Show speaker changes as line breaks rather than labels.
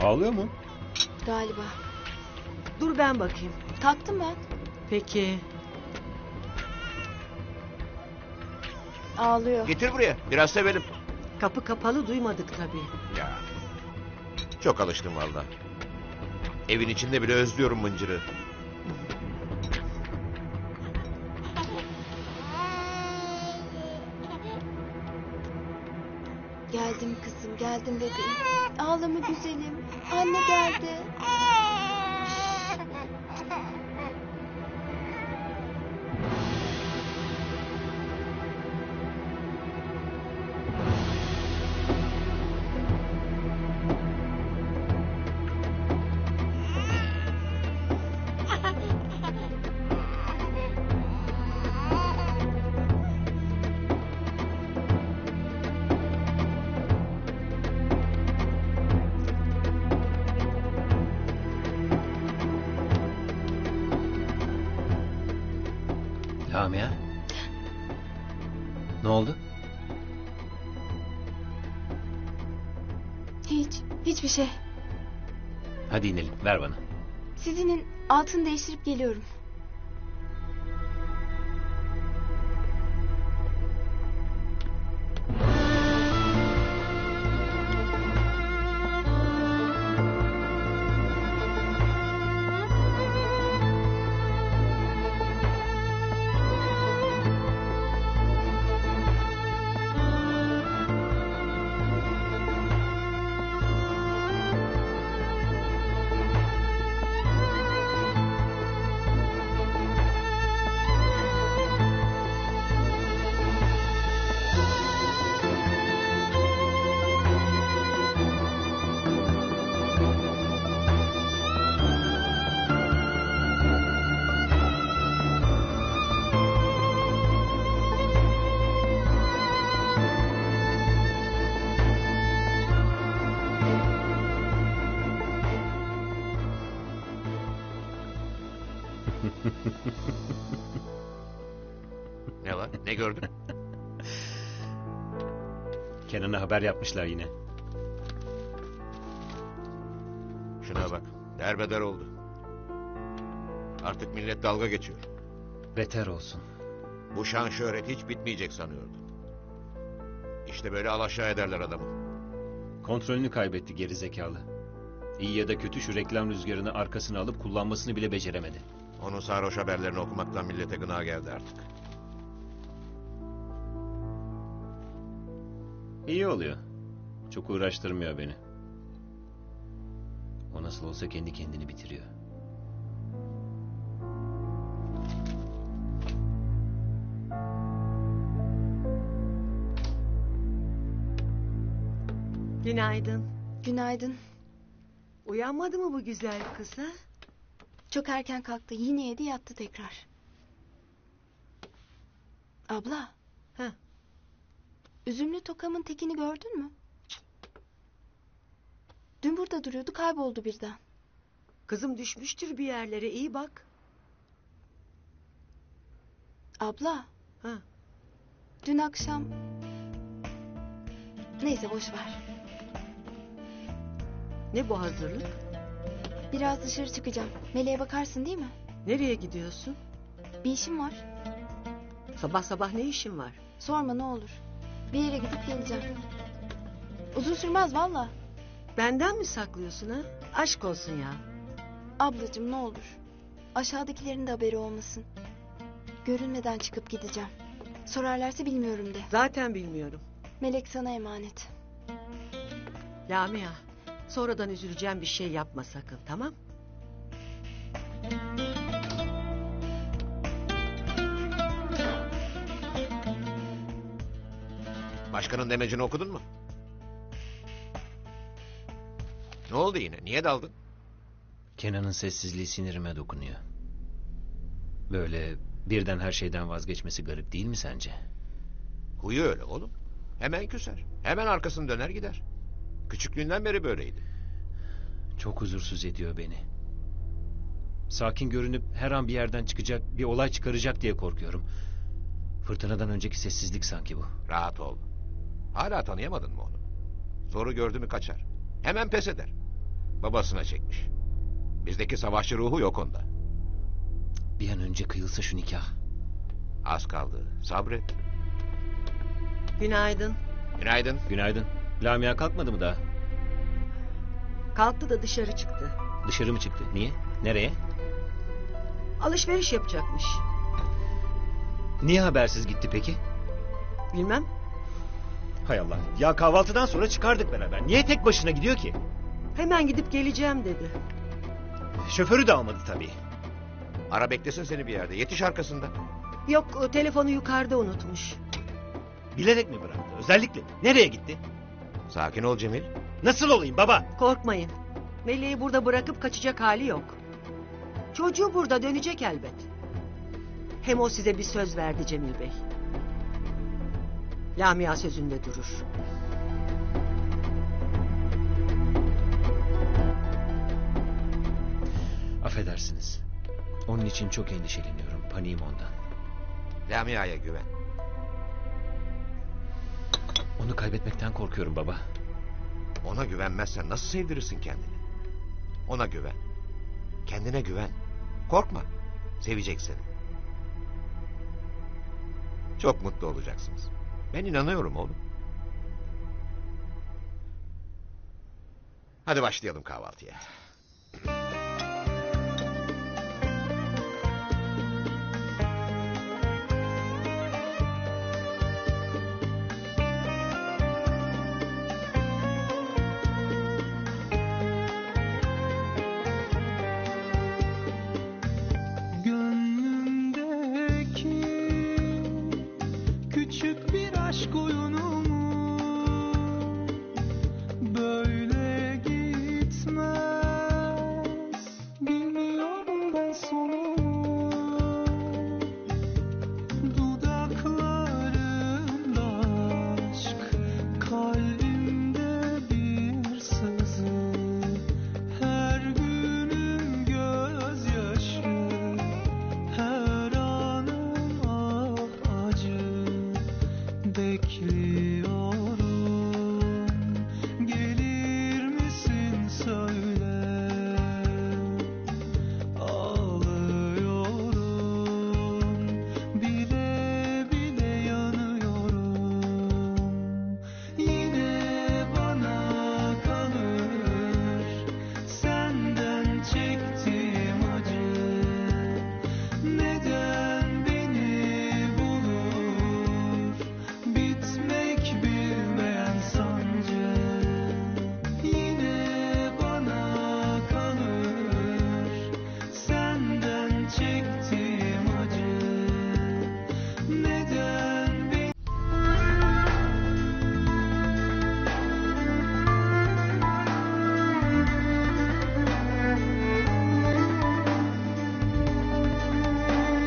Ağlıyor mu?
Galiba.
Dur ben bakayım.
Kalktım ben.
Peki.
Ağlıyor.
Getir buraya. Biraz sevelim.
Kapı kapalı duymadık tabii.
Ya. Çok alıştım valla. Evin içinde bile özlüyorum mıncırı.
Geldim kızım, geldim bebeğim. Ağlama güzelim. Anne geldi.
Lamia. Ne oldu?
Hiçbir şey.
Hadi inelim, ver bana.
Sizinin altını değiştirip geliyorum.
Ne var? Ne gördün?
Kenan'a haber yapmışlar yine.
Şuna bak. Derbeder oldu. Artık millet dalga geçiyor.
Beter olsun.
Bu şan şöhret hiç bitmeyecek sanıyordum. İşte böyle alaşağı ederler adamı.
Kontrolünü kaybetti geri zekalı. İyi ya da kötü şu reklam rüzgarını arkasına alıp kullanmasını bile beceremedi.
Onun sarhoş haberlerini okumaktan millete gına geldi artık.
İyi oluyor. Çok uğraştırmıyor beni. O nasıl olsa kendi kendini bitiriyor.
Günaydın.
Günaydın.
Uyanmadı mı bu güzel kız ha?
Çok erken kalktı. Yine yedi yattı tekrar. Abla.
Heh.
Üzümlü tokamın tekini gördün mü? Dün burada duruyordu, kayboldu birden.
Kızım düşmüştür bir yerlere, iyi bak.
Abla.
Ha.
Dün akşam... Neyse boş ver.
Ne bu hazırlık?
Biraz dışarı çıkacağım. Meleğe bakarsın değil mi?
Nereye gidiyorsun?
Bir işim var.
Sabah sabah ne işin var?
Sorma ne olur. Bir yere gidip geleceğim. Uzun sürmez valla.
Benden mi saklıyorsun ha? Aşk olsun ya.
Ablacığım ne olur. Aşağıdakilerin de haberi olmasın. Görünmeden çıkıp gideceğim. Sorarlarsa bilmiyorum de.
Zaten bilmiyorum.
Melek sana emanet.
Lamia, sonradan üzüleceğim bir şey yapma sakın, tamam?
Başkanın demecini okudun mu? Ne oldu yine? Niye daldın?
Kenan'ın sessizliği sinirime dokunuyor. Böyle birden her şeyden vazgeçmesi garip değil mi sence?
Huyu öyle oğlum. Hemen küser. Hemen arkasını döner gider. Küçüklüğünden beri böyleydi.
Çok huzursuz ediyor beni. Sakin görünüp her an bir yerden çıkacak, bir olay çıkaracak diye korkuyorum. Fırtınadan önceki sessizlik sanki bu.
Rahat ol. Hala tanıyamadın mı onu? Zoru gördü mü kaçar. Hemen pes eder. Babasına çekmiş. Bizdeki savaşçı ruhu yok onda.
Bir an önce kıyılsa şu nikah.
Az kaldı. Sabret.
Günaydın.
Günaydın.
Günaydın. Lamia kalkmadı mı daha?
Kalktı da dışarı çıktı.
Dışarı mı çıktı? Niye? Nereye?
Alışveriş yapacakmış.
Niye habersiz gitti peki?
Bilmem.
Hay Allah. Ya kahvaltıdan sonra çıkardık beraber. Niye tek başına gidiyor ki?
Hemen gidip geleceğim dedi.
Şoförü de almadı tabii.
Ara beklesin seni bir yerde. Yetiş arkasında.
Yok, telefonu yukarıda unutmuş.
Bilerek mi bıraktı? Özellikle mi? Nereye gitti?
Sakin ol Cemil.
Nasıl olayım baba?
Korkmayın. Meleği burada bırakıp kaçacak hali yok. Çocuğu burada, dönecek elbet. Hem o size bir söz verdi Cemil Bey. Lamia sözünde durur.
Affedersiniz. Onun için çok endişeleniyorum. Paniğim ondan.
Lamia'ya güven.
Onu kaybetmekten korkuyorum baba.
Ona güvenmezsen nasıl sevdirirsin kendini? Ona güven. Kendine güven. Korkma. Sevecek seni. Çok mutlu olacaksınız. Ben inanıyorum oğlum. Hadi başlayalım kahvaltıya.